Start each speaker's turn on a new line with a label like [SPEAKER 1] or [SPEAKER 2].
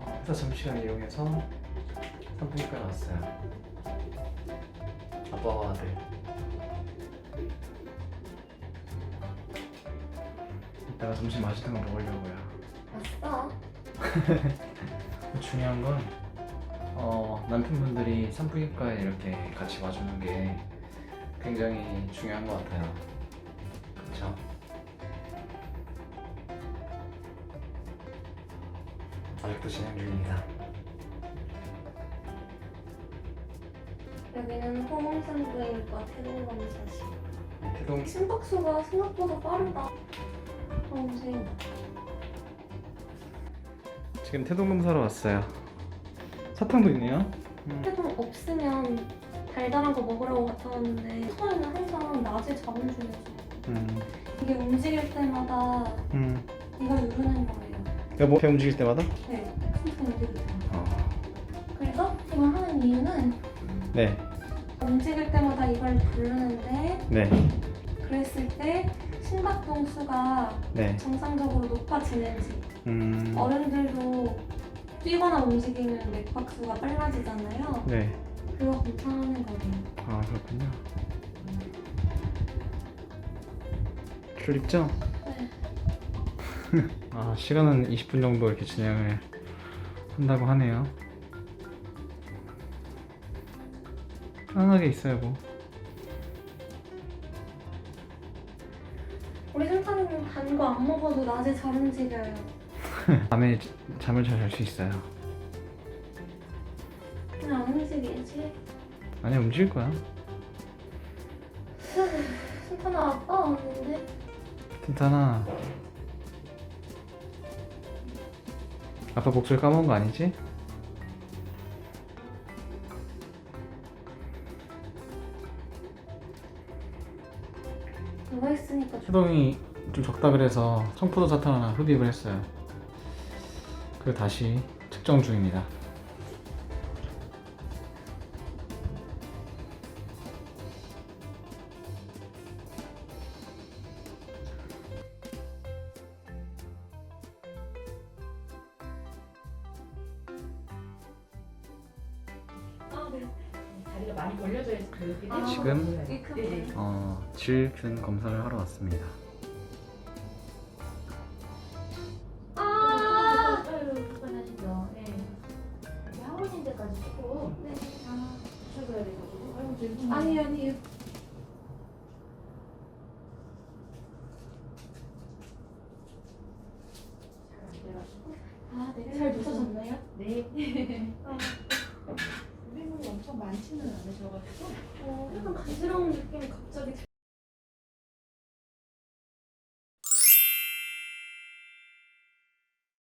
[SPEAKER 1] 회사 점심시간 이용해서 산부인과 나왔어요. 아빠와 아들. 이따가 점심 맛있는 거 먹으려고요.
[SPEAKER 2] 왔어?
[SPEAKER 1] 중요한 건 남편분들이 산부인과에 이렇게 같이 와주는 게 굉장히 중요한 것 같아요. 그렇죠? 아직도 진행 중입니다.
[SPEAKER 2] 여기는 호몽산부인과 태동검사실.
[SPEAKER 1] 태동
[SPEAKER 2] 심박수가 생각보다 빠르다. 선생님.
[SPEAKER 1] 지금 태동 검사로 왔어요. 사탕도 있네요.
[SPEAKER 2] 태동 없으면 달달한 거 먹으려고 갔다 왔는데 처음에는 항상 낮에 자본 중이었어. 이게 움직일 때마다 이걸 누르는 거예요.
[SPEAKER 1] 여보, 배 움직일 때마다?
[SPEAKER 2] 네, 천천히 움직일 때마다. 그래서 이걸 하는 이유는
[SPEAKER 1] 네.
[SPEAKER 2] 움직일 때마다 이걸 누르는데
[SPEAKER 1] 네.
[SPEAKER 2] 그랬을 때 심박동 수가
[SPEAKER 1] 네.
[SPEAKER 2] 정상적으로 높아지는지. 어른들도 뛰거나 움직이면 맥박수가 빨라지잖아요.
[SPEAKER 1] 네.
[SPEAKER 2] 그거 검사하는 거예요.
[SPEAKER 1] 아, 그렇군요. 줄 있죠?
[SPEAKER 2] 네.
[SPEAKER 1] 아, 시간은 20분 정도 이렇게 진행을 한다고 하네요. 편안하게 있어요, 뭐.
[SPEAKER 2] 우리 센터는 단 거 안 먹어도 낮에 잘 움직여요.
[SPEAKER 1] 밤에 잠을 잘 잘 수 있어요.
[SPEAKER 2] 그냥 안 움직이지?
[SPEAKER 1] 아니, 움직일 거야.
[SPEAKER 2] 센터는 아빠 왔는데?
[SPEAKER 1] 괜찮아. 아빠 목소리 까먹은 거 아니지?
[SPEAKER 2] 누워있으니까 좀
[SPEAKER 1] 수동이 좀 적다 그래서 청포도 사탕 하나 흡입을 했어요. 그리고 다시 측정 중입니다.
[SPEAKER 2] 네.
[SPEAKER 3] 다리가 많이 벌려져 있어.
[SPEAKER 2] 아,
[SPEAKER 1] 지금
[SPEAKER 2] 네네.
[SPEAKER 1] 질균 검사를 하러 왔습니다.
[SPEAKER 2] 아!
[SPEAKER 3] 불편하시죠? 네. 학원인 데까지 조금
[SPEAKER 2] 네.
[SPEAKER 3] 드셔줘야 돼가지고. 아유, 죄송해요.
[SPEAKER 2] 아니요.
[SPEAKER 3] 잘안 돼가지고.
[SPEAKER 2] 아, 네. 잘 드셔졌나요?
[SPEAKER 3] 네.
[SPEAKER 2] 아,
[SPEAKER 3] 우리는 엄청 많지는 않으셔가지고.
[SPEAKER 2] 약간 간지러운 느낌이 갑자기